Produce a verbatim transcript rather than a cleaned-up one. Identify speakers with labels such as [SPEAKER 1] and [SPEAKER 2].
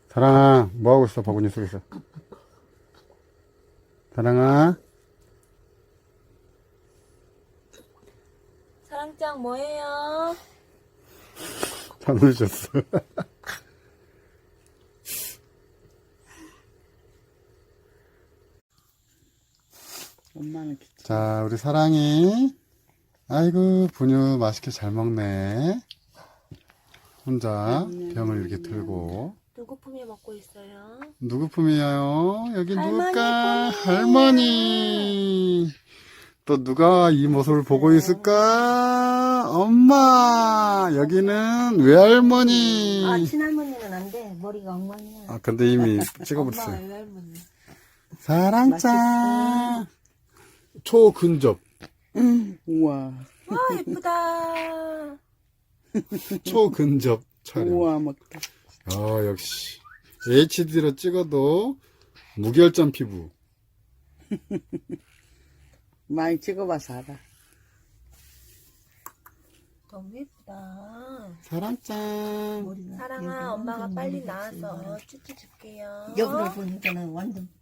[SPEAKER 1] 사랑아, 뭐하고 있어? 바구니 속에서. 사랑아.
[SPEAKER 2] 사랑짱 뭐해요?
[SPEAKER 1] 잠을 잤어.
[SPEAKER 3] 엄마는 귀찮아.
[SPEAKER 1] 자, 우리 사랑이. 아이고, 분유 맛있게 잘 먹네. 혼자 병을 이렇게 들고.
[SPEAKER 2] 누구 품에 먹고 있어요?
[SPEAKER 1] 누구 품이에요? 여기
[SPEAKER 2] 할머니
[SPEAKER 1] 누굴까?
[SPEAKER 2] 품이에요.
[SPEAKER 1] 할머니. 또 누가 이 모습을 보고 있을까? 엄마. 여기는 외할머니.
[SPEAKER 2] 아, 친할머니는 안 돼. 머리가 엉망이야.
[SPEAKER 1] 아, 근데 이미
[SPEAKER 2] 엄마가
[SPEAKER 1] 찍어버렸어요.
[SPEAKER 2] 외할머니.
[SPEAKER 1] 사랑짱. 초근접.
[SPEAKER 3] 우와.
[SPEAKER 2] 와, 예쁘다.
[SPEAKER 1] 초근접 촬영.
[SPEAKER 3] 우와, 먹다.
[SPEAKER 1] 아, 역시. 에이치디로 찍어도 무결점 피부.
[SPEAKER 3] 많이 찍어봐서 알아.
[SPEAKER 2] 너무 예쁘다.
[SPEAKER 1] 사랑짱.
[SPEAKER 2] 사랑아, 엄마가 빨리 나와서 쭈쭈 줄게요.
[SPEAKER 4] 여기를 보니까는 완전